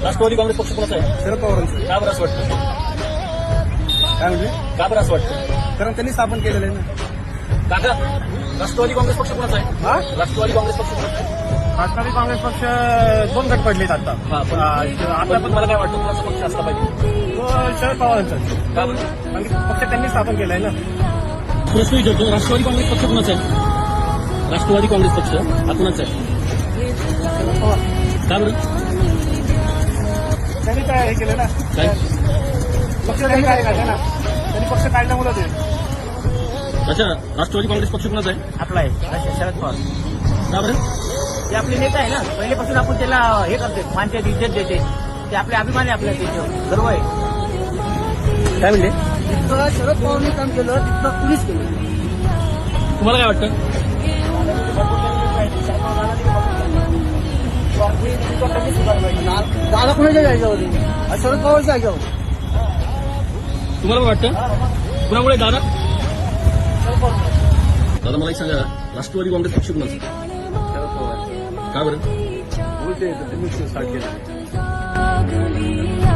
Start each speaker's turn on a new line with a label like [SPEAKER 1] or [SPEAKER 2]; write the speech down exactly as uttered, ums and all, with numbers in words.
[SPEAKER 1] राष्ट्रवादी काँग्रेस पक्ष कोणाचा आहे?
[SPEAKER 2] शरद पवारांचं.
[SPEAKER 1] का बरं असं वाटतं?
[SPEAKER 2] काय म्हणजे?
[SPEAKER 1] का बरं असं वाटतं?
[SPEAKER 2] कारण त्यांनी स्थापन केलेलं आहे ना.
[SPEAKER 1] काका, राष्ट्रवादी काँग्रेस पक्ष कोणाचा आहे?
[SPEAKER 2] हा?
[SPEAKER 1] राष्ट्रवादी काँग्रेस पक्ष कोणाचा आहे?
[SPEAKER 2] राष्ट्रवादी काँग्रेस पक्ष दोन गट पडलेत आता.
[SPEAKER 1] हा, पण आता पण मला काय वाटतं कोणाचा पक्ष असला पाहिजे?
[SPEAKER 2] तो शरद पवारांचा.
[SPEAKER 1] का बरं?
[SPEAKER 2] कारण की पक्ष त्यांनी स्थापन केलाय ना.
[SPEAKER 1] प्रश्न विचारतो, राष्ट्रवादी काँग्रेस पक्ष कोणाचा आहे? राष्ट्रवादी काँग्रेस पक्ष हा कोणाचा आहे? का बरं?
[SPEAKER 2] त्यांनी काय हे केलं ना,
[SPEAKER 1] काय
[SPEAKER 2] पक्ष त्यांनी काय काढला ना, त्यांनी पक्ष काढल्यामुळे ते
[SPEAKER 1] अच्छा, राष्ट्रवादी काँग्रेस पक्ष कोणाचा आहे?
[SPEAKER 3] आपला आहे शरद पवार.
[SPEAKER 1] का बरं?
[SPEAKER 3] ते आपले नेता आहे ना, पहिल्यापासून आपण त्याला हे करते, मानते, इज्जत देते. ते आपले अभिमान आहे, आपल्या त्याच्यावर गर्व आहे.
[SPEAKER 1] काय म्हणले?
[SPEAKER 3] जितकं शरद पवारने काम केलं तितकं कुणीच केलं.
[SPEAKER 1] तुम्हाला काय वाटतं?
[SPEAKER 3] दादा कुणाच्या जायच्यावर शरद पवारच्या जायच्यावर.
[SPEAKER 1] तुम्हाला काय वाटतं? कुणामुळे दादा? दादा मला एक सांगा, राष्ट्रवादी काँग्रेस पक्ष कोणाचा? का बरं?
[SPEAKER 2] बोलते त्यांनी स्टार्ट केलं.